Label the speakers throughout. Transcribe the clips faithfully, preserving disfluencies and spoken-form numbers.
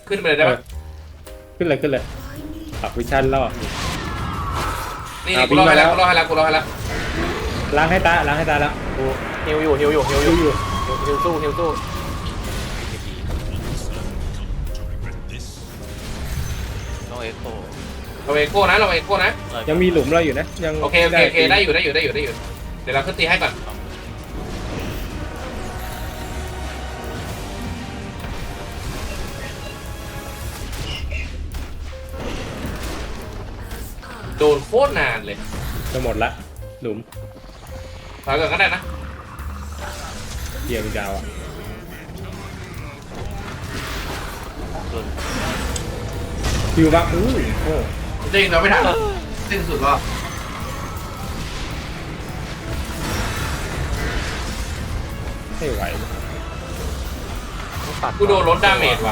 Speaker 1: ขึ้นไปเลยได้ปะ
Speaker 2: ขึ้นเลยขึ้นเลยปรับวิชั่นล่อ
Speaker 1: นี่นี่กูรอให้แล้วกูรอให้แล้วกูรอให้แล้ว
Speaker 2: ล้างให้ตาล้างให้ตาแล้ว
Speaker 3: กูฮิวอยู่ฮิวอยู่ฮิวอ
Speaker 2: ดู
Speaker 3: ยู่
Speaker 2: อยู่
Speaker 3: ฮิวสู้ฮิวสู้
Speaker 4: ต้องเอ็กโค
Speaker 1: เราเอโก้นะเราเอโก้นะ
Speaker 2: ยังมีหลุมเราอยู่นะยัง
Speaker 1: โอเคโอเคโอเคได้อยู่ได้อยู่ได้อยู่ได้อยู่เดี๋ยวเราขึ้นตีให้ก่อนโดนโคตรนานเลย
Speaker 2: จะหมดละหลุม
Speaker 1: ถอยก่อนก็ได้นะ
Speaker 2: เยี่ยมยาวอ่ะ
Speaker 4: โดน
Speaker 2: คิวบ้างอู้โอ้
Speaker 5: จริงเราไม่ทันสิ้นสุดแล้ว
Speaker 2: ไม่ไหว
Speaker 3: ต้องตัด
Speaker 1: กูโดนลดดาเมจว่ะ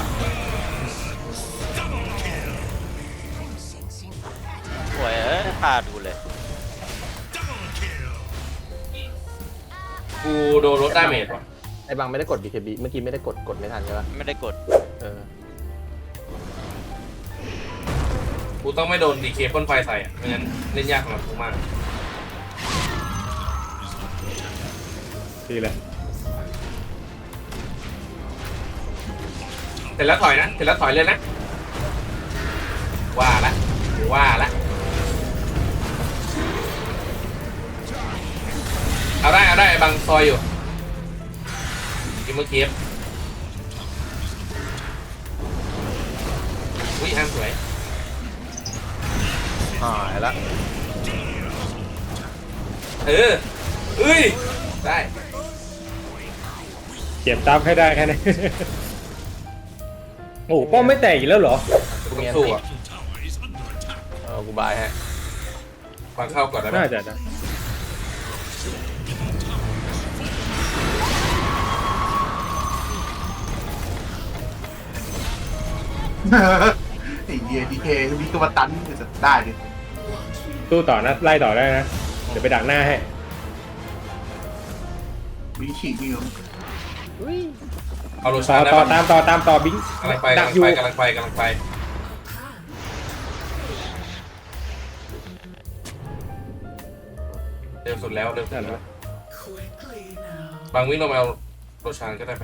Speaker 4: สวยเอ้ยตาดูเลย
Speaker 1: กูโดนลดดาเมจว่ะ
Speaker 3: ไอ้บังไม่ได้กด บี เค บี เมื่อกี้ไม่ได้กดกดไม่ทันใช่ปะ
Speaker 4: ไม่ได้กด
Speaker 3: เออ
Speaker 1: กูต้องไม่โดนดีเคพ่นไฟใส่อ่ะไม่งั้นเล่นยากสำหรับกูมาก
Speaker 2: ดีเลย
Speaker 1: เสร็จแล้วถอยนะเสร็จแล้วถอยเลยนะว่าละว่าละเอาได้เอาได้บังซอยอยู่กินเมื่อกี้อุ้ยอันสวย
Speaker 3: หายละ
Speaker 1: เออเอ้ยได้
Speaker 2: เก็บตับให้ได้แค่นี้ โอ้ป้อมไม่แตกอีกแล้วเหรอ
Speaker 1: กูต้องสู้อ่ะ
Speaker 3: เออกูบายฮะ
Speaker 1: ฟังเข้าก่อนได้ไหม
Speaker 2: น่าจะนะ
Speaker 5: ไอ้เหี้ยดีเคมีตัวตันจะได้ดิ
Speaker 2: สู้ต่อนะไล่ต่อได้นะเดี๋ยวไปดักหน้าให้
Speaker 5: มีฉีกมีอยู่
Speaker 1: เอาโร
Speaker 2: ต่
Speaker 1: ชา
Speaker 2: อ
Speaker 1: ได้
Speaker 2: ต่อ
Speaker 1: ปะ
Speaker 2: ตามต่อตามต่อบิง
Speaker 1: กำลังไป
Speaker 2: ดั
Speaker 1: กำ
Speaker 2: ก
Speaker 1: ลัง
Speaker 2: อยู่
Speaker 1: ไปกำลังไปกำลังไปเร็วสุดแล้วเร็วสุดแล้วบางวิ่งลงมาเอาโรชานก็ได้ไป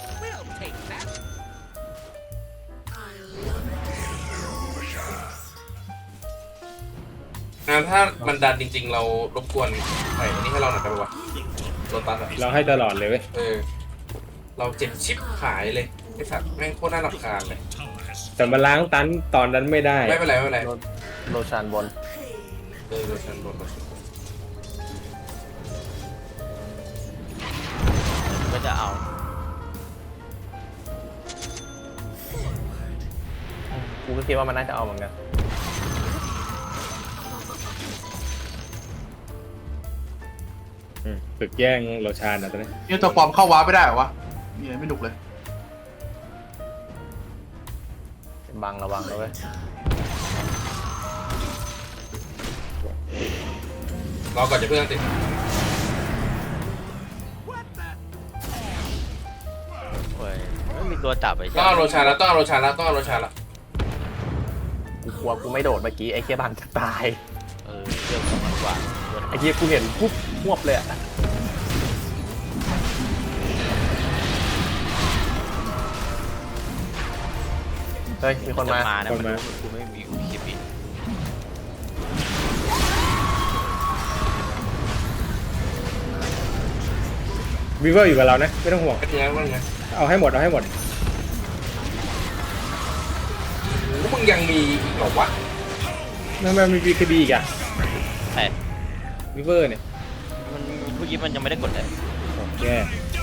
Speaker 1: งานถ้ามันดันจริง ๆ เรารบกวนใส่อันนี้ให้เราหน่อยได้ปะวะโรตัสอะ
Speaker 2: เราให้ตลอดเลยเว้ย
Speaker 1: เออ เราเจ็บชิปขายเลยไอ้สัตว์แม่งโคตรน่ารำคาญเลย
Speaker 2: แต่มาล้างตันตอนนั้นไม่ได้
Speaker 1: ไม่เป็นไรไม่เป็นไร
Speaker 3: โรโรชานบน
Speaker 1: เออโรชันโดนโรชัน
Speaker 4: ก็จะเอา
Speaker 3: กูก็คิดว่ามันน่าจะเอาเหมือนกัน
Speaker 2: อืมฝึกแย่งโรชานอ่ะตอนนี้
Speaker 5: เนี่ยตัวปลอมเข้าวาร์ปไม่ได้เหรอวะเนี่ยไม่หนุกเลย
Speaker 3: บังระวังนะเว้ย
Speaker 1: รอก่อนจะเพิ่งติด
Speaker 4: โอ้ยไม่มีตัวจับไอ้
Speaker 1: ต้องเอาโรชันแล้วต้องเอาโรชันแล้วต้องเอาโรชันแล้ว
Speaker 3: กูกลัวกูไม่โดดเมื่อกี้ไอ้เคียบังจะตาย
Speaker 4: เออเรื่องของมันกว่า
Speaker 3: ไอ้เคียกูเห็นปุ๊บหวบเลยอะเฮ้ยมีคนมา
Speaker 4: มานะมันรู้กูไม่มีอุคิปิ
Speaker 2: วีเวอร์อยู่กับเรานะไม่ต้องห่วง
Speaker 1: เป็นไงบ้างไง
Speaker 2: เอาให้หมดเอาให้หมด
Speaker 1: โอ้มึงยังมีอีกเหรอวะ
Speaker 2: ทำไมมีบีคดีอีกอ่ะ
Speaker 4: แต่
Speaker 2: วีเวอร์เนี่ย
Speaker 4: มันเมื่อกี้มันยังไม่ได้กดเลย
Speaker 2: โอ้แย่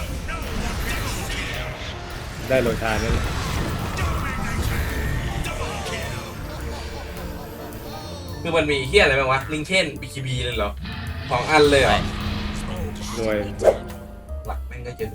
Speaker 2: ได้โรชานนั่นแหละ
Speaker 1: คือมันมีเฮียอะไรบ้างวะลิงเคนบีคีบีเลยเหรอสองอันเลยเหรอ
Speaker 2: รวย
Speaker 1: หลักแม่งก็เยอะ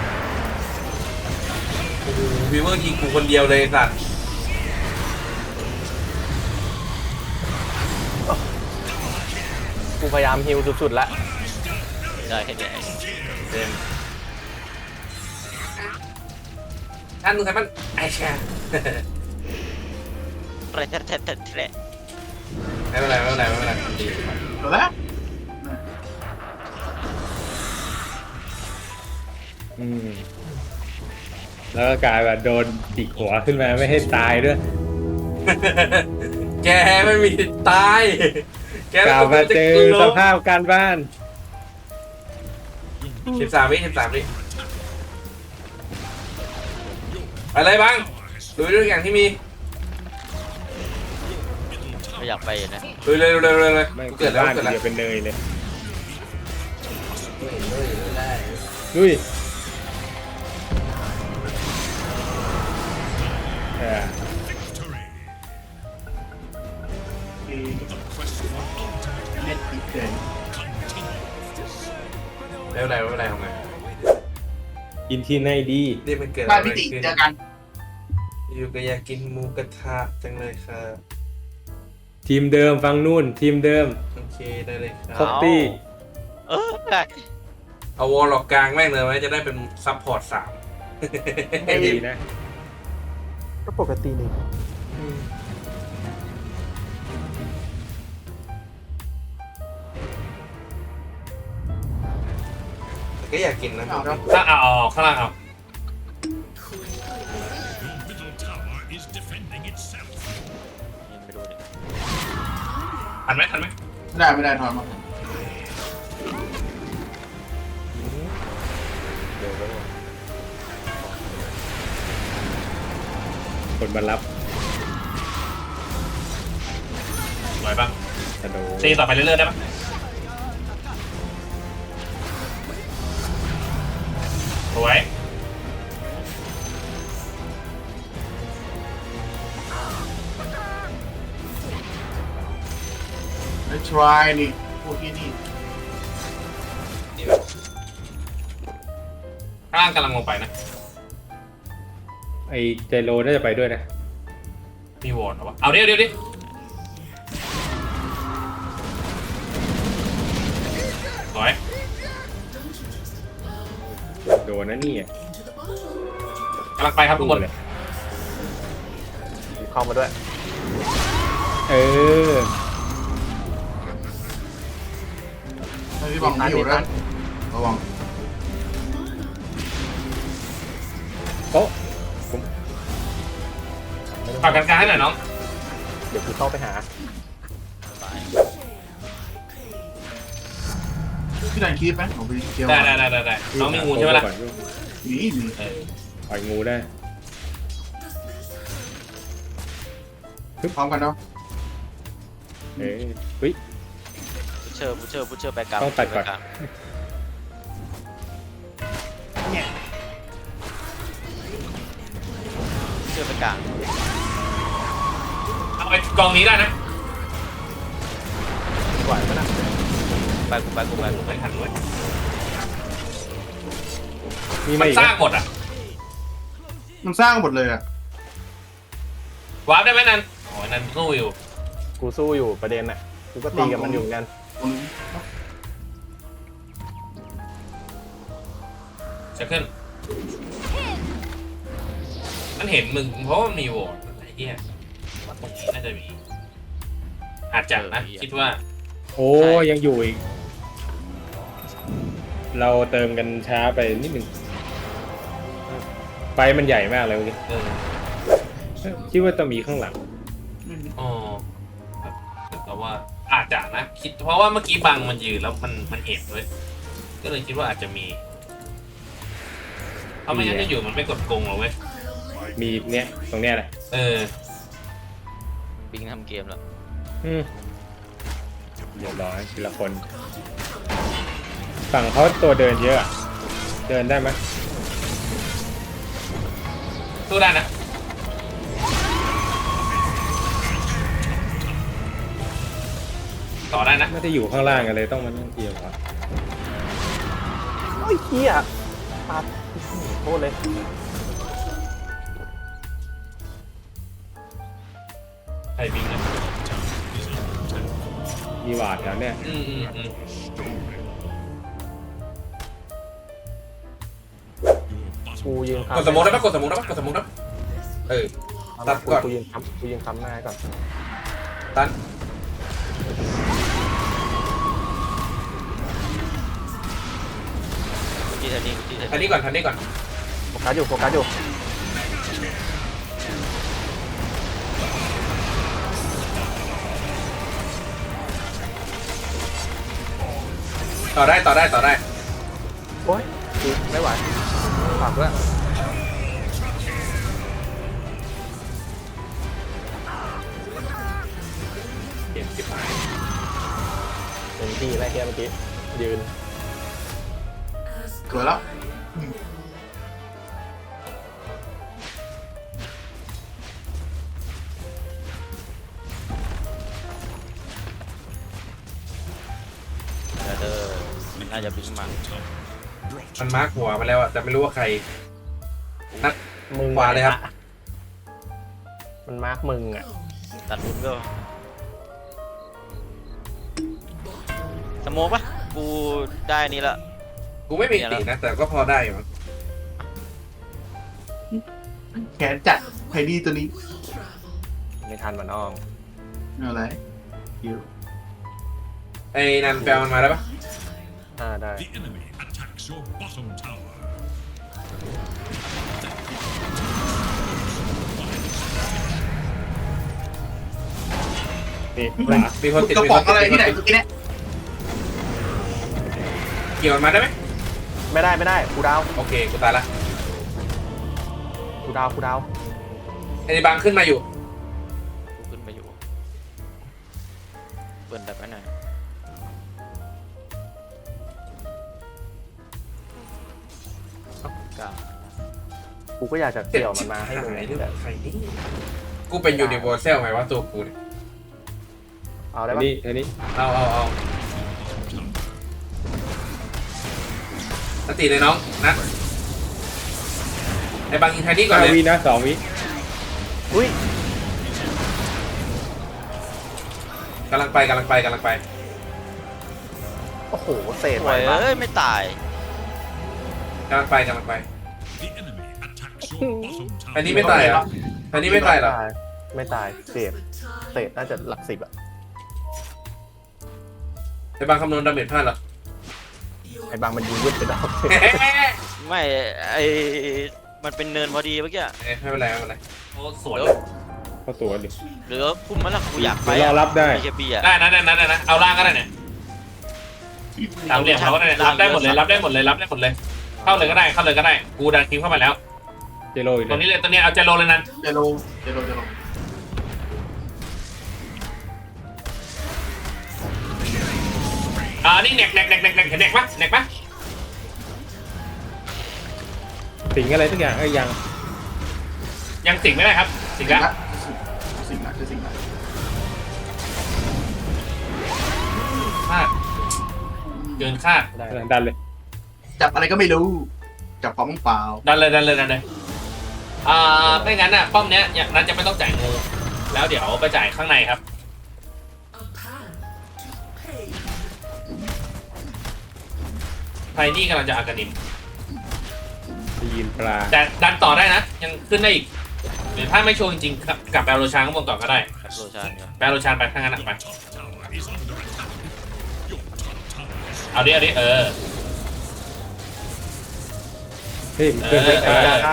Speaker 1: โอ้โหวีเวอร์ยิงกูคนเดียวเลยสัตว์
Speaker 3: พยายามฮิวสุดๆแล้ว
Speaker 4: ได้แค่เนี้ย
Speaker 3: เต็ม
Speaker 1: ท่านมึงใครมันไอแชร์
Speaker 4: แทะแทะแทะแทะ
Speaker 1: ไม่เป็นไรไม่เป็นไรไม่เป็นไรดี
Speaker 5: เดี๋ยวแล้ว
Speaker 2: อืมแล้วก็กลายแบบโดนจิกหัวขึ้นมาไม่ให้ตายด้วย
Speaker 1: แกไม่มีตายแก
Speaker 2: กล่าวมาเจอสภาพการบ้าน
Speaker 1: สิบสามวิสิบสามวิไปเลยบ้างดูด้วยอย่างที่มี
Speaker 4: ไม่อยากไปนะ
Speaker 1: ดูเลยดูเลยดูเลยเลย
Speaker 2: ไม่
Speaker 1: เกิดแล้ว
Speaker 2: บ้าน
Speaker 1: เกิดแล้ว
Speaker 2: เดียวเป็นเนยเลยลุยเออ
Speaker 5: เล่นอีกเลย
Speaker 1: ไม่เป็นไรไม่เป็นไรทำไง
Speaker 2: กินที่ไหนดี
Speaker 1: นี่มันเกิด
Speaker 5: บ้า
Speaker 1: อะ
Speaker 5: น
Speaker 1: ไร
Speaker 5: พี่ติ
Speaker 1: ขึ้น
Speaker 5: เจอกัน
Speaker 1: อยู่ก็อยากกินหมูกระทะจังเลยครับ
Speaker 2: ทีมเดิมฟังนู่นทีมเดิม
Speaker 1: โอเคได้เลยค
Speaker 2: คร
Speaker 1: รับบ
Speaker 2: ตี้
Speaker 4: เออ
Speaker 1: เอาวอลล็อกกลางแม่งเลยไหมจะได้เป็นซัพพอร์ตสาม
Speaker 2: ดีนะ
Speaker 3: ก็ปกตินี่
Speaker 1: ก็อยากกินนะถ้าเอาเอาข้างล่างเอา
Speaker 4: ยังไม่รู้เลย
Speaker 1: ทันไหมทันไหม
Speaker 5: ไม่ได้ไม่ได้ถอนมา
Speaker 3: เดี๋ยวก็
Speaker 2: คนมารับ
Speaker 1: ไหวบ้าง
Speaker 2: กระโดด
Speaker 1: ตีต่อไปเรื่อยๆได้ปะสวย
Speaker 5: ไอ้ try นี่พวกที่นี่
Speaker 1: ข้างล่างกำลังลงไปนะ
Speaker 2: ไอเจโรน่าจะไปด้วยนะ
Speaker 1: มีวอร์ดเหรอวะเอาเดี๋ยวเดี๋ยวดิสวย
Speaker 2: โดนนะนี่
Speaker 1: กำลังไปครับทุกคน
Speaker 2: เลย
Speaker 3: เข้ามาด้วย
Speaker 2: เออ
Speaker 5: ไอ้พี่บังไม่อยู่ด้วยระวัง
Speaker 2: โอ๊ะ
Speaker 1: ฝากกันกลางให้หน่อยน้อง
Speaker 3: เดี๋ยวกูเข้าไปหา
Speaker 4: ตาย
Speaker 5: พี่ดันคีบไหมผมไปเที่ยว
Speaker 1: ได้ได้ได้ได้ได้น้องมีงูใช่ไหมล่ะ
Speaker 5: มีมี
Speaker 1: เออ
Speaker 2: ปล่อยงูได้
Speaker 5: พร้อมกันเนาะ
Speaker 2: เอ้ยเฮ้ย
Speaker 4: พุชเชอร์พุชเชอร์พุชเชอร์ไปกลาง
Speaker 2: ต้องตัดก่อน
Speaker 4: ไปลางพุชเชอร์ไปกลาง
Speaker 1: เอาไอ้กองนี้ได้นะ
Speaker 3: ไหวไหมนะ
Speaker 4: ไปกูไปกูไปกู
Speaker 1: ไม่ทันด้วย
Speaker 2: มี
Speaker 1: มั
Speaker 2: มาน อีก
Speaker 1: ส
Speaker 2: ไหม
Speaker 1: ร้างหมดอ่ะ
Speaker 5: มันสร้างหมดเลยอ่ะ
Speaker 1: วาร์ปได้ไหมนันโอ้ยนันสู้อยู่
Speaker 3: กูสู้อยู่ประเด็นน่ะกูก็ตีกับมันอยู่เหมือนกัน
Speaker 5: ตรงนี้
Speaker 1: จะขึ้น มันเห็นมึงเพราะว่ามันมีวอร์ดไอ้เหี้ยว่าตรงนี้น่าจะมี อาจจะนะ คิดว่า
Speaker 2: โอ้ยังอยู่อีก เราเติมกันช้าไปนิดหนึ่งไฟมันใหญ่มากเลยเมื่อกี้
Speaker 1: เออ
Speaker 2: คิดว่าต้องมีข้างหลัง
Speaker 5: ไม่มี
Speaker 1: อ๋อแบบแต่ว่าอาจจะนะ คิดเพราะว่าเมื่อกี้บังมันยืนแล้วมันมันเห็นด้วยก็เลยคิดว่าอาจจะมีเพราะไม่งั้นจะอยู่มันไม่กดกงหรอกเว้ย
Speaker 2: มีเนี้ยตรงเนี้ยแหละ
Speaker 1: เออ
Speaker 4: บิงทำเกมแล้ว
Speaker 2: อืมเรียบร้อยทีละคน ฝั่งเขาตัวเดินเยอะอะเดินได้ไหม
Speaker 1: สู้ได้นะ ต่อได้นะ
Speaker 2: ไม่ได้อยู่ข้างล่างกันเลยต้องมานั่งเกี่ยวอะ
Speaker 3: โอ้ยเฮียปาดโคตรเลย
Speaker 1: ใครบิงนะ
Speaker 2: มีมีหวาดแถวเนี้ย
Speaker 1: อืมอืมอืม
Speaker 3: กูยืน
Speaker 1: กดสมองได้ปะกดสมองได้ปะกดสมองได้ปะเออ ตัดก่อน
Speaker 3: กูยืนค้ำกูยืนค้ำหน้าก่อน
Speaker 1: ตัน
Speaker 4: ที่แทนนี่ที่แทน
Speaker 1: ทันนี้ก่อนทันนี้ก่อน
Speaker 3: โฟกัสอยู่โฟกัสอยู่
Speaker 1: ต่อได้ต่อได้ต่อได้
Speaker 3: โอ๊ยกูไม่ไหวฝากด้วย
Speaker 1: เก็บเก็บหาย
Speaker 3: เป็นที่ไรเฮียเมื่อกี้ยืน
Speaker 5: สวยแล้ว
Speaker 4: เออน่าจะบิงมา
Speaker 1: มันมาร์คหัวมาแล้วอะแต่ไม่รู้ว่าใคร นัด
Speaker 3: มึง
Speaker 1: ขวาเลยครับ
Speaker 3: มันมาร์กมึงอ่ะ
Speaker 4: ตัดลุ้นก็สโมกปะกูได้นี่ละ
Speaker 1: กูไม่มีตีนะ แต่ก็พอได้อยู่มั้ง
Speaker 5: แขนจัดไพดีตัวนี้
Speaker 3: ไม่ทันมันน้อง
Speaker 5: ไม่อะไรอยู่
Speaker 1: ไอ้นันแปลมันมาได้ปะ
Speaker 3: อ่าได้
Speaker 6: The enemy attacks your bottom tower.
Speaker 2: นี่ขวา
Speaker 1: มีคนติด
Speaker 5: กระ
Speaker 1: มี
Speaker 5: ป๋
Speaker 1: ค
Speaker 5: อง
Speaker 1: น
Speaker 5: อะไร
Speaker 1: ติด
Speaker 5: ที่ไหนเมื่อกี้เนี่ย
Speaker 1: เกี่ยวมันมาได้ไหม
Speaker 3: ไม่ได้ไม่ได้กูดาว
Speaker 1: โอเคกูตายละ
Speaker 3: กูดาวกูดาว
Speaker 1: ไอ้นี่บังขึ้นมาอยู่
Speaker 4: กูขึ้นไปอยู่เปิดดับไว้หน่อยกลาง
Speaker 3: กูก็อยากจะเกี่ยวมันมาให้มึง
Speaker 1: หาย
Speaker 3: แต่
Speaker 1: ใครนี่กูเป็นยูนิเวอร์แซลไหมว่าตัวกูเนี่ย
Speaker 3: เอาได้
Speaker 2: อัน
Speaker 3: ปะ
Speaker 2: นี้อันนี้
Speaker 1: เอาเอาเอาสติเลยน้องนะไอ้บังยิงไทนี่ก่อน
Speaker 2: ห้า
Speaker 1: เลย
Speaker 2: วินะสองวิ
Speaker 3: อุ้ย
Speaker 1: กำลังไปกำลังไปกำลังไป
Speaker 3: โอ้โหเศษ
Speaker 4: โอ้
Speaker 3: ไว้
Speaker 4: ย
Speaker 3: มาก
Speaker 4: เอ้ยไม่ตาย
Speaker 1: กำลังไปกำลังไป
Speaker 6: The enemy attacks your bottom
Speaker 1: อัน
Speaker 6: tower.
Speaker 1: นี้ไม่ตายเหรออันนี้ไม่ตายเหรอ
Speaker 3: ไม่ตายเศษเศษน่าจะหลักสิบอะ
Speaker 1: ไอ้บังคำนวณดาเมจพลาดเหรอ
Speaker 3: ไอ้บางมันยิงยึดไปดอก
Speaker 4: ไม่ไอมันเป็นเนินพอดีเมื่อกี้
Speaker 1: เอ้ยไม่เป็นไรไม่เป็นไรโอ้สวย
Speaker 4: เดี๋ยว
Speaker 2: เข้าตัวดิ
Speaker 4: หรือคุมมันละกูอยากไป
Speaker 2: เดี๋ยวรอรับได้
Speaker 4: มีแค่เบียร์
Speaker 1: ได้นะได้นะได้นะเอาล่างก็ได้เนี่ยสามเหลี่ยมเขาก็ได้รับได้หมดเลยรับได้หมดเลยรับได้หมดเลย เข้าเลยก็ได้เข้าเลยก็ได้กูดันคิมเข้ามาแล้ว
Speaker 2: เจโรอีก
Speaker 1: ตรง
Speaker 2: เล
Speaker 1: นี้
Speaker 2: ย
Speaker 1: เลยตัวนี้เอาเจโรเลยนั้น
Speaker 5: เจโรเจโรเจโร
Speaker 1: อ่านี่เน็กเน็กเน็กเน็กเน็กเห็นเน็กปะเน็กปะ
Speaker 2: สิงอะไรสักอย่างเอ้ยยัง
Speaker 1: ยังสิงไม่ได้ครับสิงแล้ว
Speaker 5: สิ่งนั้นคือสิ่งนั้น
Speaker 1: คาดเกินคาด
Speaker 3: ได้
Speaker 2: ดันเลย
Speaker 5: จับอะไรก็ไม่รู้ จับของเปล่า
Speaker 1: ดันเลยดันเลยดันเลยอ่าไม่งั้นอ่ะป้อมเนี้ยอย่างนั้นจะไม่ต้องจ่ายงูแล้วเดี๋ยวไปจ่ายข้างในครับไทนี่กำลังจะอากานิม
Speaker 2: ได้ยินปลา
Speaker 1: แต่ดันต่อได้นะ ยังขึ้นได้อีกหรือถ้าไม่ชัวร์จริงๆกลับกลับแปลโรชานข้างบนก่อนก็ได้
Speaker 4: โรชานเนี่ย
Speaker 1: แปลโรชานไปข้างนั้นอะไป
Speaker 6: Top tower is under attack. Your top tower is
Speaker 1: เอาดิเอาดิเออ
Speaker 2: เฮ้ยมันเพื่อนไม่
Speaker 1: เอ
Speaker 2: ตาย
Speaker 1: อ
Speaker 3: นะ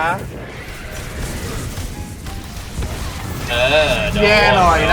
Speaker 1: เออโด
Speaker 5: แย่หน่อยนะ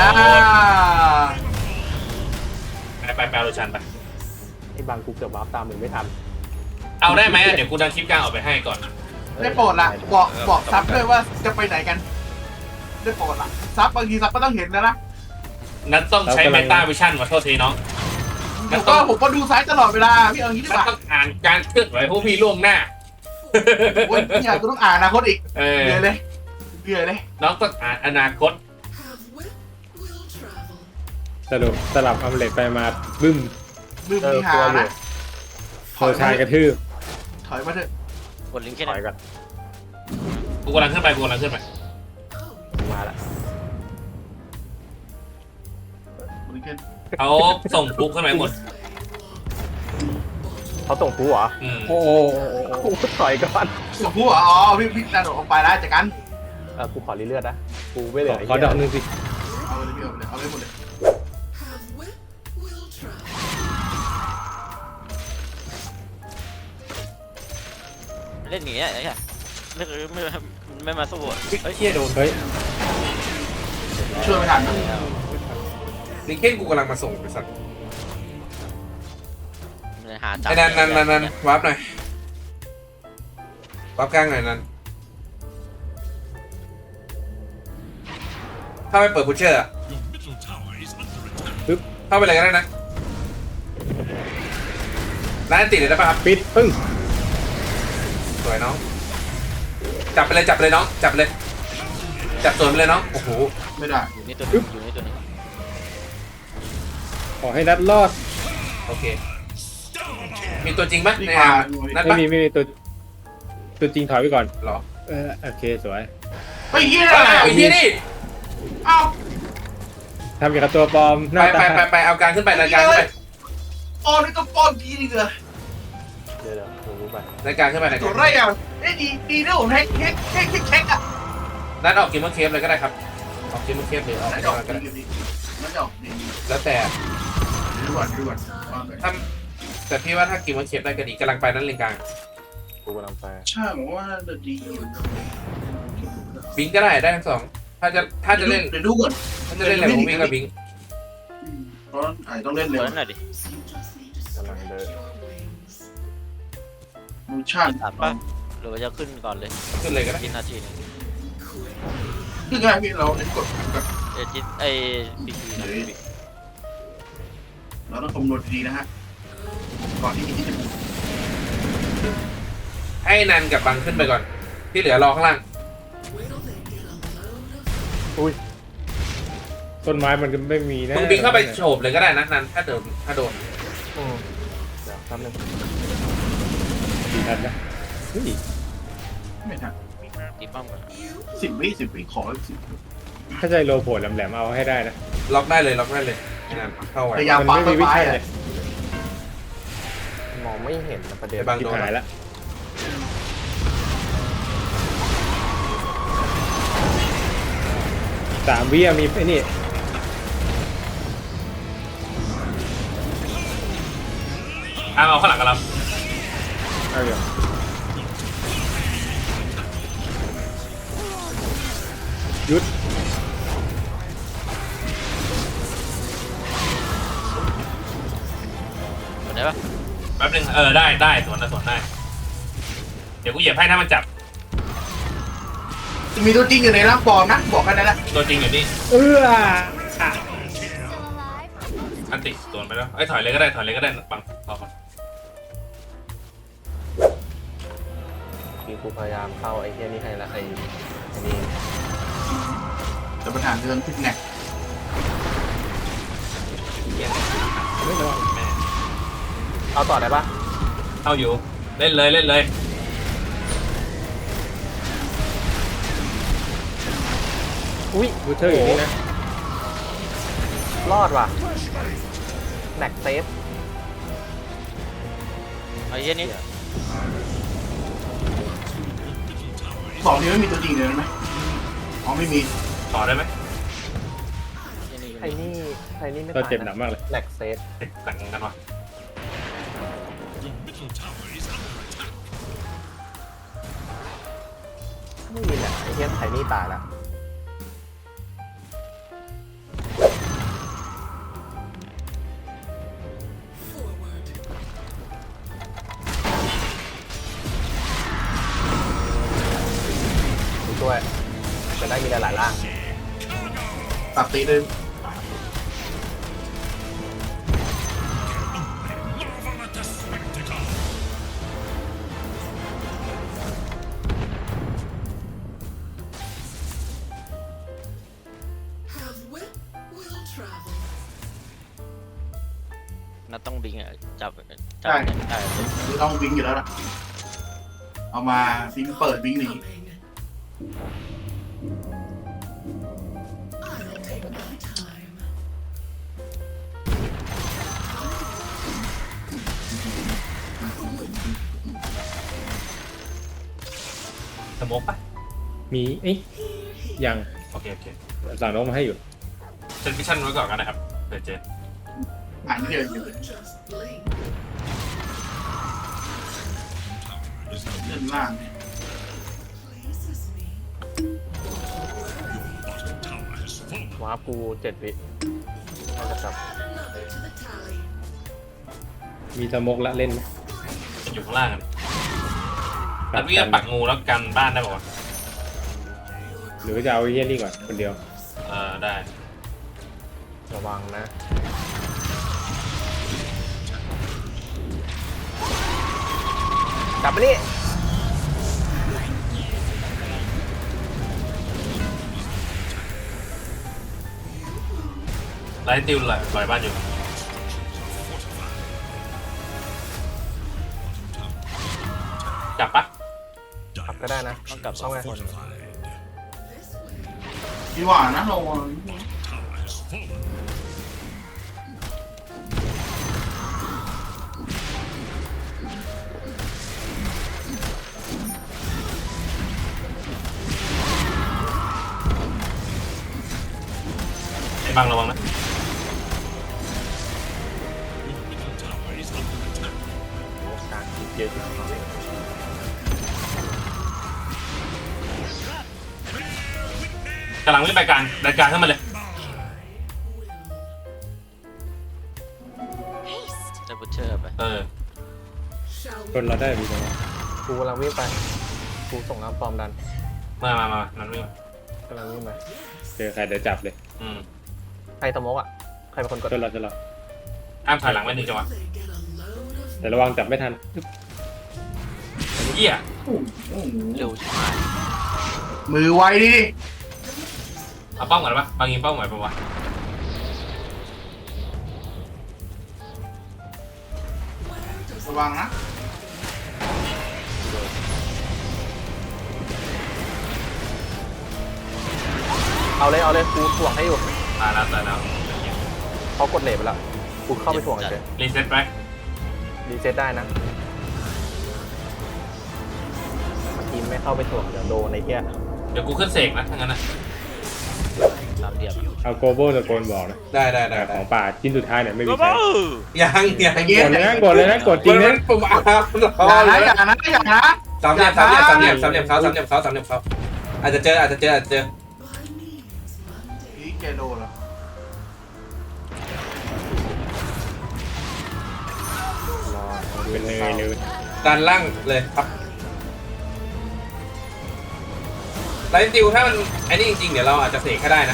Speaker 1: ไปไปแปลโรชานไป
Speaker 3: ไอ้บางกูเกือบวาร์ปตามมึงไม่ทัน
Speaker 1: เอาได้ไหมอะเดี๋ยวกูดันคลิปกลางออกไปให้ก่อน
Speaker 5: ได้โปรดละบอกบอกซับด้วยว่าจะไปไหนกัน ได้โปรดละซับบางทีซับก็ต้องเห็นแล้วนะ
Speaker 1: นั้นต้องใช้เมตาวิชั่นมาโทษทีน้อง
Speaker 5: ผมก็ผมก็ดูซ้ายตลอดเวลาพี่เอางี้ดี
Speaker 1: มัน
Speaker 5: กว่า
Speaker 1: ต้องอ่านการเคลื่อนไหวพวกพี่ล่วงหน้า
Speaker 5: โอ้ยเนี่ยกูต้องอ่านอนาคตอีก
Speaker 1: เออ
Speaker 5: เหนื่อยเลยเหนื่อยเลย
Speaker 1: น้องต้องอ่านอนาคต
Speaker 2: สรุปสลับอัมเล็ตไปมาบึ้ม
Speaker 5: ลืม
Speaker 3: เออ
Speaker 5: มีหาก
Speaker 3: ลัวอยู่
Speaker 5: นะ
Speaker 2: โซชายกระทืบ
Speaker 5: ถอยมาเถอะ
Speaker 4: กดลิงก์แค่
Speaker 3: ถอย
Speaker 4: นั้น
Speaker 3: ก่อน
Speaker 1: กูกำลังขึ้นไปกูกำลังขึ้นไป
Speaker 3: มาละ
Speaker 5: บริเกน
Speaker 1: เขาส่งปุ๊กขึ้นไปหมด
Speaker 3: เขาส่งกูเหรอ
Speaker 1: อืม
Speaker 2: โอ้โห
Speaker 3: กูถอยก่อน
Speaker 5: ส่งผู้เหรออ๋อพี่พี่นาโดดออกไปแล้วจากกัน
Speaker 3: เออกูขอรีเลือดนะกูไม่เหลือไอ้
Speaker 2: ขอ
Speaker 3: เหี้ย
Speaker 2: ดอกหนึ่งสิ
Speaker 5: เอาเลยพี่เอาเลยเอาเลยหมดเลย
Speaker 4: เล่นอย่างเงี้ยไอ้เหี้ยไม่ไม่ไม่มาสู้อะเฮ้ย
Speaker 1: เฮียโดน
Speaker 2: เฮ้ย
Speaker 5: ช่วยไม่ทันนะ
Speaker 1: ลิงเก้นกูกำลังมาส่งไปสัตว์
Speaker 4: มันหาจับ
Speaker 1: ไอ้นันนันนันนันวาร์ปหน่อย วาร์ปกลางหน่อยนันถ้าไม่เปิดพุชเชอร์อะ
Speaker 6: Your middle tower is under attack.
Speaker 1: เข้าไปเลยก็ได้นะร้านติดเลยได้ป่ะครับ
Speaker 2: ปิดปึ้ง
Speaker 1: สวยน้อง จับไปเลยจับไปเลยน้อง จับไปเลย จับสวนไปเลยน้อง โอ้โห
Speaker 5: ไม่ได้
Speaker 4: อยู่นี่ตัวนึงอยู่นี่ตัวนึง
Speaker 2: ขอให้นัดรอด
Speaker 1: โอเค มีตัวจริงปะ
Speaker 5: มี
Speaker 1: ใน
Speaker 5: ควา
Speaker 1: อาม นัด
Speaker 2: ไม่
Speaker 1: ปะ
Speaker 2: มีไม่มีตัวตัวจริงถอยไปก่อน
Speaker 1: หรอ
Speaker 2: เออโอเคสวย
Speaker 5: เฮ้ยเฮีย
Speaker 1: เอาไอ้เหี้ยนี่
Speaker 5: เอ้า
Speaker 2: ทำอย่างกับตัวปลอมห
Speaker 1: ไป
Speaker 2: น้า
Speaker 1: ไป
Speaker 2: ตา
Speaker 1: ไปไปเอาการขึ้นไปรายการขึ้นไป
Speaker 5: ป้อนนี่ก็ป้อนกีนี่เลย
Speaker 3: เดี๋ยวเดี๋ยวกูรู้ไป
Speaker 1: รายการขึ้นไปราย
Speaker 5: ตั
Speaker 1: กาว ร
Speaker 5: ไรอ่ะเอ้ยดีดีนะผมเฮกเฮกเฮกเฮกเฮกอ่ะ
Speaker 1: นัดออกกิมเมอร์เคฟเลยก็ได้ครับ ออกกิมเมอร์เคฟหรือออก
Speaker 5: นั่น
Speaker 1: อะไร
Speaker 5: จะออก
Speaker 1: ก็ได้
Speaker 5: ดีดีนั่นจะออกดี
Speaker 1: แล้วแต่
Speaker 5: ด่วนด่วนว่าไป
Speaker 1: ถ้าแต่พี่ว่าถ้ากิมเมอร์เคฟได้ก็ดีกำลังไปนั่นเลนกลาง
Speaker 3: กูกำลังไป
Speaker 5: ใช่ผมว่าน่าจะดีอยู่
Speaker 1: บิงก็ได้ได้ทั้งสอง ถ้าจะถ้าจะเล่น
Speaker 5: เดี๋ยวดูก่อน
Speaker 1: ถ้าจะเล่นอะไรผมวิ่งกับบิง
Speaker 5: เพราะอาจจะต้องเล่น
Speaker 4: เปิ
Speaker 5: เร็ว
Speaker 4: ดหน่อยดิ
Speaker 3: กำลังเดิน
Speaker 5: มูชั่น
Speaker 4: ตัดปะหรือว่าจะขึ้นก่อนเลย
Speaker 1: ขึ้นเลยก็ได้
Speaker 4: กินนาทีหนึง
Speaker 5: คือง่ายพี่เราเน้นกดแบบ
Speaker 4: เอจิตไอ้บีบีนะ
Speaker 5: เราต้องคำนวณดีนะฮะก่อนที่จะ
Speaker 1: ให้นันกับบังขึ้นไปก่อน ที่เหลือรอข้างล่าง
Speaker 2: ต้นไม้มันก็ไม่มีนะ
Speaker 1: มึงบิงเข้าไปโฉบเลยก็ได้นะนันถ้าโดนถ้าโดน
Speaker 3: อืมเดี๋ยวแป๊บนึง
Speaker 2: สี่ทันนะเฮ้ย
Speaker 5: ไม่ทัน
Speaker 4: ตีป้อมก่อน
Speaker 5: สิบวิสิบวิขอสิบ
Speaker 2: ถ้าใจโลโผล่แหลมๆเอาให้ได้นะ
Speaker 1: ล็อกได้เลยล็อกได้เลยให้นันเข้าไว้
Speaker 5: พยายาม
Speaker 2: มัน
Speaker 5: ปัก
Speaker 2: ไม่
Speaker 5: ต้
Speaker 2: มี
Speaker 5: น
Speaker 2: วิ
Speaker 5: ไม้
Speaker 2: ชั่น
Speaker 5: อะ
Speaker 2: เลย
Speaker 3: มองไม่เห็นนะประเด็น
Speaker 1: ไอ้บัง
Speaker 2: ทิ
Speaker 1: โด
Speaker 2: พ
Speaker 1: น
Speaker 2: หายละสามวิอะมีไอ้นี่
Speaker 1: อ่ะเอาข้างหลังกับเรา
Speaker 2: เอาอยู่หยุด
Speaker 4: หมดได้ปะ
Speaker 1: แป๊บนึงเออได้ได้สวนนะสวนได้ เดี๋ยวกูเหยียบให้ถ้ามันจับ
Speaker 5: จะมีตัวจริงอยู่ในร่างปลอมนะบอกแค่นั้นแหละ
Speaker 1: ตัวจริงอยู่นี่
Speaker 2: เออ
Speaker 1: อันติสวนไปแล้วไอ้ยถอยเลยก็ได้ถอยเลยก็ได้บังรอก่อน
Speaker 3: คือกูพยายามเข้าไอ้เหี้ยนี่ให้ละไอ้ไอ้นี่
Speaker 5: แต่ปัญหาเรื่องพิษแงก
Speaker 2: ไม่รอด
Speaker 1: แม่
Speaker 3: เอาต่อได้ปะ
Speaker 1: เข้าอยู่เล่นเลยเล่นเลย
Speaker 3: อุ้ย
Speaker 2: บูเทอร์อยู่นี่นะ
Speaker 3: รอดว่ะแม็กเซฟ
Speaker 4: ไอ้เหี้ยนี่
Speaker 5: บอกนี้ไม่มีตัวจริงเลยไหมอ๋อไม่มี
Speaker 1: ต่อได้ไหม
Speaker 4: ไอ้นี่อยู่
Speaker 3: ไอ้
Speaker 4: นี่
Speaker 3: นี่ไอ้นี่ไม่
Speaker 2: เรา
Speaker 3: ตาย
Speaker 2: เจ็บหนักมากเลย
Speaker 3: แม็กเซฟ
Speaker 1: แต่งกันวะ
Speaker 6: Your middle tower is under attack.
Speaker 3: ไม่มีแหละไอ้เหี้ยไอ้นี่ตายละ ดูด้วยจะได้มีหลายๆร่าง
Speaker 5: ตัดตีหนึ่ง
Speaker 6: Marvelous spectacle.
Speaker 4: นัดต้องบิงอ่ะจับจับเนี่ยได้เลย
Speaker 5: คือต้องวิ่งอยู่แล้วล่ะเอามาวิ่งเปิดวิ่งหนี
Speaker 3: ไ
Speaker 1: โมกปะ
Speaker 2: มีเอ้ยยัง
Speaker 1: โอเคโอเค
Speaker 2: สั่งนกมาให้อยู่
Speaker 1: เซนฟิชั่นไว้ก่อนกันนะครับเผื่อเจอ
Speaker 5: อ่านไม่เดียวอยู่
Speaker 6: is now
Speaker 5: เล่นล่าง
Speaker 6: bottom tower has fallen.
Speaker 3: วาร์ปกูเจ็ดวิน่าจะกลับ
Speaker 2: มีสโมกละเล่นไหม
Speaker 1: อยู่ข้างล่างกันแต่พี่จะปักงูแล้วกันบ้านได้ป่าวะ
Speaker 2: หรือว่าจะเอาไอ้เฮี้ยนี่ก่อนคนเดียว
Speaker 1: เออได้
Speaker 3: ระวังนะกลับมานี่
Speaker 1: ไล่ติวเลยลอยบ้านอยู่กลับปะ
Speaker 3: กลับก็ได้นะ
Speaker 4: ต้องกลับ
Speaker 3: ต้องไง
Speaker 6: Fortified.
Speaker 5: ดีกว่านะเรา
Speaker 6: Tower has fallen.
Speaker 1: ไอ้บังระวังนะ
Speaker 6: Middle tower is under attack.
Speaker 3: โอ้การคิดเยอะมาก
Speaker 1: กำลังวิ่งไปกลางดันกลางขึ้นมาเลย
Speaker 4: ได้บูเชอร์ไป
Speaker 1: เออ
Speaker 2: คนเราได้มีสโมก
Speaker 3: กูกำลังวิ่งไปกูส่งน้ำปลอมดัน
Speaker 1: มามามานั่นวิ่ง
Speaker 3: กำลังวิ่งไป
Speaker 2: เจอใครเดี๋ยวจับเลย
Speaker 1: อืม
Speaker 3: ใครตะมกอ่ะใครเป็นคนกด
Speaker 2: จนเราจะรอ
Speaker 1: อ้ามถอยหลังไว้หนึ่งจังหวะ
Speaker 2: แต่ระวังจับไม่ทัน
Speaker 1: เหี้ย
Speaker 5: โอ้โห
Speaker 4: เร็วชิบหาย
Speaker 5: มือไวดิ
Speaker 1: เอาเป้าหมายปะบางยิงเป้าหมายปะวะ
Speaker 5: ระวังนะ
Speaker 3: เอาเลยเอาเลยกูถ่วงให้อยู่
Speaker 1: ตายแล้วตายแล้ว
Speaker 3: เขากดเลทไปแล้วกูเข้าไปถ่วงเฉย
Speaker 1: รีเซ็ตไป
Speaker 3: รีเซ็ตได้นะเมื่อกี้ไม่เข้าไปถ่วงเดี๋ยวโดนไอ้เหี้ย
Speaker 1: เดี๋ยวกูขึ้นเสกนะถ้างั้นนะ
Speaker 4: สามเหลี่ยม
Speaker 2: เอาโกโบตะโกนบอกนะ
Speaker 1: ได้ได้
Speaker 2: แต่ของป่าชิ้นสุดท้ายเนี่ยไม่มี
Speaker 4: โอ้
Speaker 2: ใช้
Speaker 4: โห
Speaker 1: ยังยัง
Speaker 5: แต่เย็
Speaker 2: ก
Speaker 5: น
Speaker 2: ดเลยนะกดเลยนะกดจริงนะ
Speaker 1: ผมอาบ
Speaker 5: อย่านะอย่านะอย่านะ
Speaker 1: สามเหลี่ยมสามเหลี่ยมสามเหลี่ยมสามเหลี่ยมเขาสามเหลี่ยมเขาสามเหลี่ยมเขาอาจจะเจออาจจะเจออาจจะเจอ
Speaker 5: นี่แกโดนเหรอ
Speaker 3: รอ
Speaker 2: เป็นเนยเลย
Speaker 1: ด้านล่างเลยครับไลท์ติวถ้ามันไอ้นี่จริงๆเดี๋ยวเราอาจจะเสกก็ได้นะ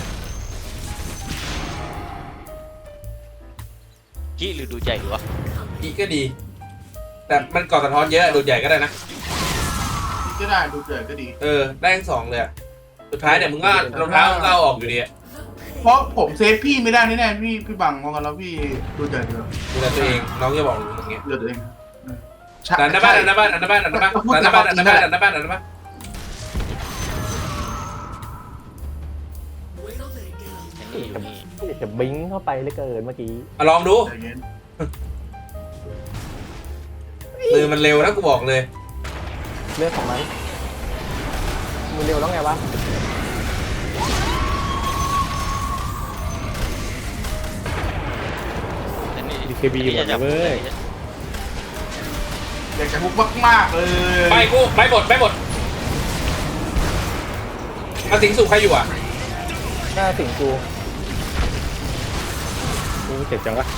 Speaker 4: ขี้หรือดูใจหรือวะ
Speaker 1: อีกก็ดี แต่มันก่อสะท้อนเยอะดูดใหญ่ก็ได้นะ
Speaker 5: นี่ก็ได้ดูเดือดก็ดี
Speaker 1: เออได้ทั้งสองเลยอะสุดท้ายเนี่ยมึงก็รองเท้ามึงก็เอาออกอยู่ดีอะ
Speaker 5: เพราะผมเซฟพี่ไม่ได้แน่ๆพี่พี่บังมองกันแล้วพี่ดูเดือดเดือด
Speaker 1: ดูแลตัวเองน้องจะบอกมึงอย่างเงี้ย
Speaker 5: เดือดตัวเอง
Speaker 1: ดันหน้าบ้านดันหน้าบ้านดันหน้าบ้านดันหน้าบ้านดันหน้าบ้านดันหน้าบ้านดันหน้าบ้านดันหน้าบ้าน
Speaker 4: ไอ้นี่อยู่นี่
Speaker 3: จะบิงเข้าไปเลยเกินเมื่อกี้
Speaker 1: มาลองดู
Speaker 5: ใจเย็น
Speaker 1: มือมันเร็วนะกูบอกเลย
Speaker 3: เรื่องของมันมันเร็วแล้วไงวะ
Speaker 4: ไอ้นี่
Speaker 2: ดีเคบีหมดเลยเว้ย
Speaker 5: อยากจะพุกมากๆเลย
Speaker 1: ไปกูไปหมดไปหมดมาสิงสู่ใครอยู่อ่ะ
Speaker 3: หน้าสิงกู
Speaker 2: กูเจ็บจังวะ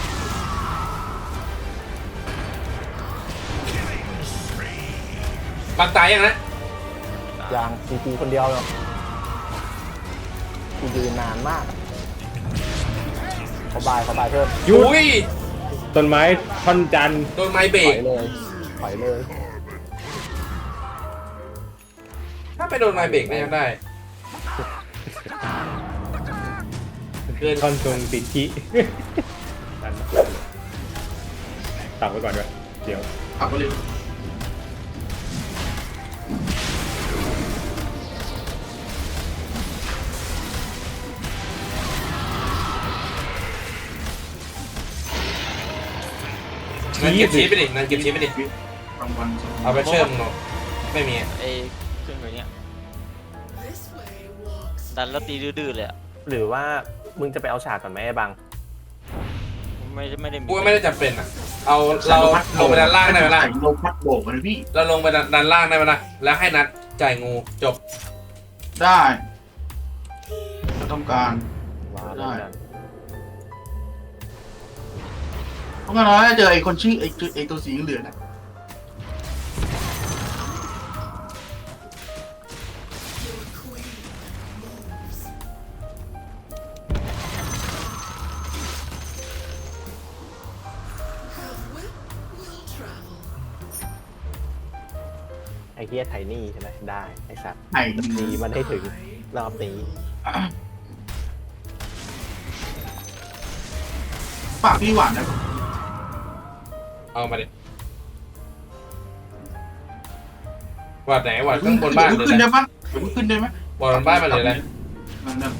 Speaker 1: บางตายยังนะ
Speaker 3: ยางสิงกูคนเดียวเนาะกูยืนนานมากเขาบายเขาบายเพิ่ม
Speaker 2: ยุ
Speaker 1: อุ้ย
Speaker 2: ต้นไม้ท่อนจันทร์
Speaker 1: โดนไม้เบร
Speaker 3: ถอก ยเลยถอยเลย
Speaker 1: ถ้าไปโดนไม้เบรกก็ยังได้เกิน
Speaker 2: ท่อนทรงติดขี้ตักไว้ก่อนด้วยเดี๋ยว
Speaker 5: ขับไปเลย
Speaker 1: นั่นเก็บชีสไปดินั่นเก็บชีสไปดิ
Speaker 5: รางวัล
Speaker 1: เอาไปเชื่อมเนาะไม่มีอะ
Speaker 4: ไอ้เครื่องตัวเนี้ยดันแล้วตีดื้อๆเลยอะ
Speaker 3: หรือว่ามึงจะไปเอาฉากก่อนไหมไอ้บัง
Speaker 4: ไม่ไม่ได้มี
Speaker 1: กูว่าไม่ได้จำเป็นอ่ะเอาเราลงไปด้านล่างได้ไหมล่ะ
Speaker 5: ใส่ลมพัดโบกมาเลยพี่
Speaker 1: เราลงไปด้านล่างได้ไหมล่ะแล้วให้นัดจ่ายงูจบ
Speaker 5: ได้จะต้องการ
Speaker 3: ว้าว
Speaker 5: ได้
Speaker 3: กัน
Speaker 5: เพราะงั้นเราจะเจอไอ้คนชื่อไอ้ตัวไอ้ตัวสีเหลืองน่ะ
Speaker 3: ไอ้เฮียไทนี่ใช่ไหมได้ไอ้สัตว์
Speaker 5: ไอ้
Speaker 3: ดีมันให้ถึงรอบนี้
Speaker 5: ปากพี่หวานนะ
Speaker 1: เอามาดิวัดไหนวัดข้างบนบ้านหรือ
Speaker 5: ขึ้น
Speaker 1: อะไร
Speaker 5: ได้ปะเดี๋ยวมึงขึ้นได้ไหม
Speaker 1: วัดบนบ้านมาหรืออะไร
Speaker 5: นั่นนั่น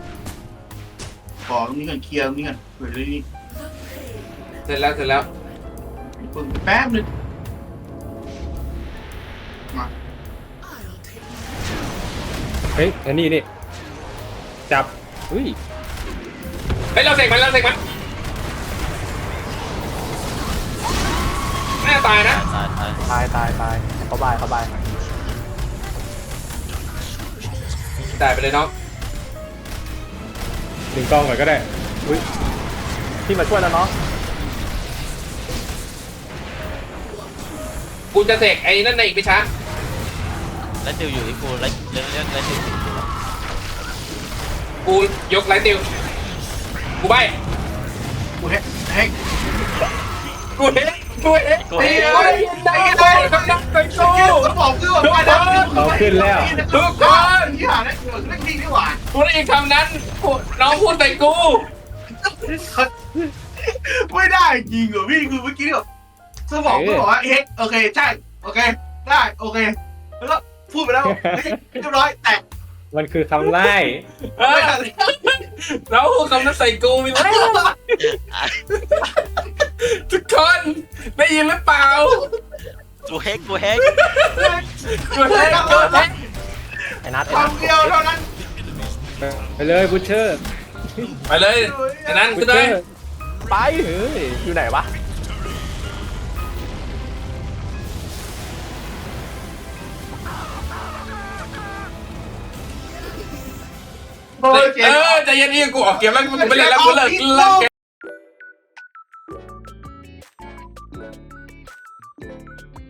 Speaker 5: บอกตรงนี้กันเคลียร์ตรงนี้กันเผื่อได้นี่
Speaker 1: เสร็จแล้วเสร็จแล้ว
Speaker 5: เพิ่งแป๊บนึงมา
Speaker 2: เฮ้ยอันนี้นี่จับอุ้ย
Speaker 1: เฮ้ยเราเสกมันเราเสกมันแม่ตายนะ
Speaker 4: ตายตาย
Speaker 3: ตายตายตายเขาบายเขาบาย
Speaker 1: ตายไปเลยน้อง
Speaker 2: ดึงกล้องก่อนก็ได้อุ้ย
Speaker 3: พี่มาช่วยแล้วเนาะ
Speaker 1: กูจะเสกไอ้นั่นในอีกไม่ช้า
Speaker 4: แล้วติวอยู่ที่กูแล้วแล้วแล้วแล้วติวอยู่ที่กู
Speaker 1: กูยกไลท์ติวกูใบ
Speaker 5: กูเฮ้เฮ้
Speaker 1: กูเห็นกูเห็น
Speaker 4: กู
Speaker 5: ไอ้
Speaker 4: เห็น
Speaker 5: ไอ้ไอ้ไอ้
Speaker 1: กำลังไป
Speaker 5: สกิลสมองคือแบบว่าแล้ว
Speaker 1: ทุกคน
Speaker 5: ที่หาได้เรื่องนี้ดีกว่า
Speaker 1: กูได้ยินคำนั้นพูดน้องพูดใส่กู
Speaker 5: ไม่ได้จริงเหรอพี่คือเมื่อกี้แบบสมองก็บอกว่าเฮ้โอเคใช่โอเคได้โอเคแล้วก็พูดไปแล้วเรียบร้อยแตก
Speaker 2: มันคือคำไล่
Speaker 1: เออน้องพูดคำนั้นใส่กูมีไหมทุกคนได้ยินหรือเปล่า
Speaker 4: กูเฮกกูเฮก
Speaker 1: กูเห็นกูเห็น
Speaker 3: ไอ้นัทไอ้นัท
Speaker 5: คำเดียวเท่านั้น
Speaker 2: ไปเลยบูชเชอร์
Speaker 1: ไปเลยไอ้นั้น
Speaker 2: บู
Speaker 1: ขึ้
Speaker 2: ช
Speaker 1: น
Speaker 2: เช
Speaker 1: เล
Speaker 2: อย ร์
Speaker 3: ไปเฮ้ยอยู่ไหนวะ
Speaker 5: โอเค
Speaker 1: เออใจเย็นๆกูออกเกมแล้วกูไม่เล่นแล้วกูเลิกเลิกเกม